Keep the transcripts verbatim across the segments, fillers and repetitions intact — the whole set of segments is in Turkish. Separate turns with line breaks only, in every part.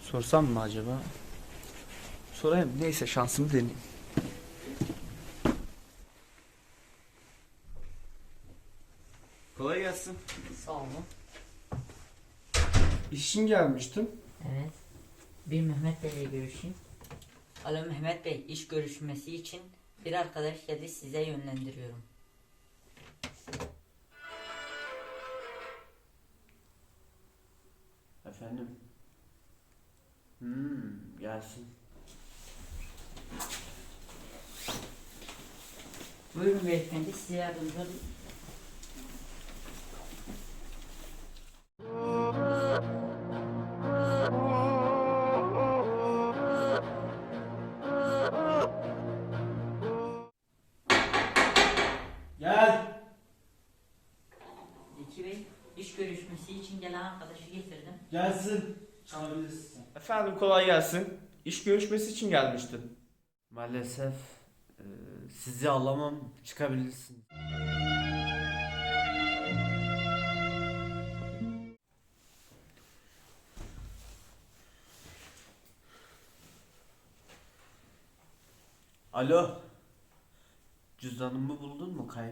Sorsam mı acaba? Sorayım. Neyse şansımı deneyeyim. Kolay gelsin.
Sağ olun.
İş için gelmiştim.
Evet. Bir Mehmet Bey ile görüşeyim. Alo Mehmet Bey, iş görüşmesi için bir arkadaş geldi, size yönlendiriyorum.
Efendim? Hmm, gelsin.
Buyurun beyefendi, size yardımcı olayım.
Gel.
Zeki Bey, iş görüşmesi için gelen arkadaşı getirdim.
Gelsin. Çalabilirsin. Efendim kolay gelsin. İş görüşmesi için gelmiştim.
Maalesef e, sizi alamam, çıkabilirsiniz. Alo. Cüzdanımı buldun mu kayıp?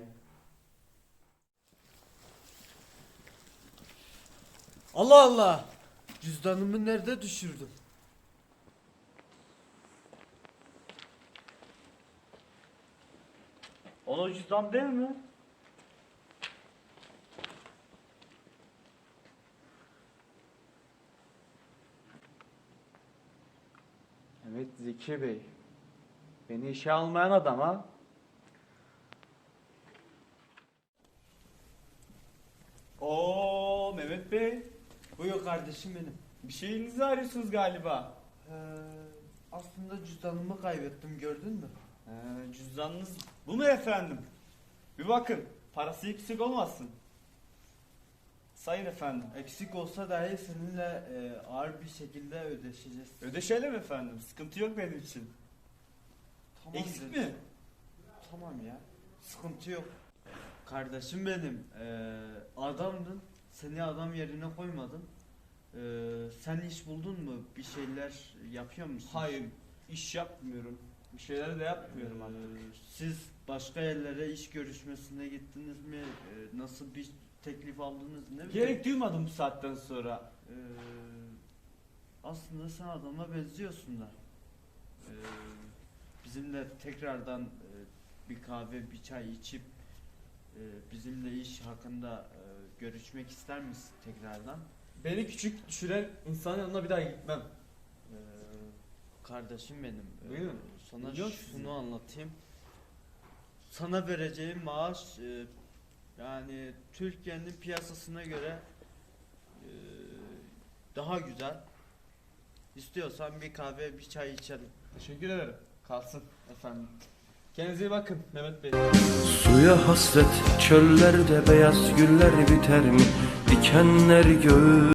Allah Allah. Cüzdanımı nerede düşürdüm?
O cüzdan değil mi? Evet Zeki Bey. Beni işe almayan adam ha.
Oo Mehmet Bey. Buyur kardeşim benim.
Bir şeyinizi arıyorsunuz galiba.
Ee, aslında cüzdanımı kaybettim, gördün mü?
Ee, cüzdanınız bu mu efendim? Bir bakın. Parası eksik olmasın. Sayın efendim.
Eksik olsa dahi seninle e, ağır bir şekilde ödeşeceğiz.
Ödeşelim efendim. Sıkıntı yok benim için.
Tamam
Eksik
dedim.
mi?
Tamam ya. Sıkıntı yok. Kardeşim benim. E, adamdın. Seni adam yerine koymadım. E, sen iş buldun mu? Bir şeyler yapıyor musun?
Hayır. İş yapmıyorum. Bir şeyler de yapmıyorum
Ee,
artık.
Siz başka yerlere iş görüşmesine gittiniz mi? Ee, nasıl bir teklif aldınız? Ne bileyim.
Gerek duymadım bu saatten sonra.
Ee, aslında sen adama benziyorsun da. Ee, bizimle tekrardan e, bir kahve, bir çay içip e, bizimle iş hakkında e, görüşmek ister misin tekrardan?
Beni küçük düşüren insanın yanına bir daha gitmem.
Ee, kardeşim benim. e,
Buyurun.
Sana
Biliyor
şunu
musun?
anlatayım. Sana vereceğim maaş e, yani Türkiye'nin piyasasına göre e, daha güzel. İstiyorsan bir kahve, bir çay içelim.
Teşekkür ederim. Kalsın efendim. Kendinize iyi bakın Mehmet Bey.
Suya hasret çöllerde beyaz güller biter mi? Dikenler göğü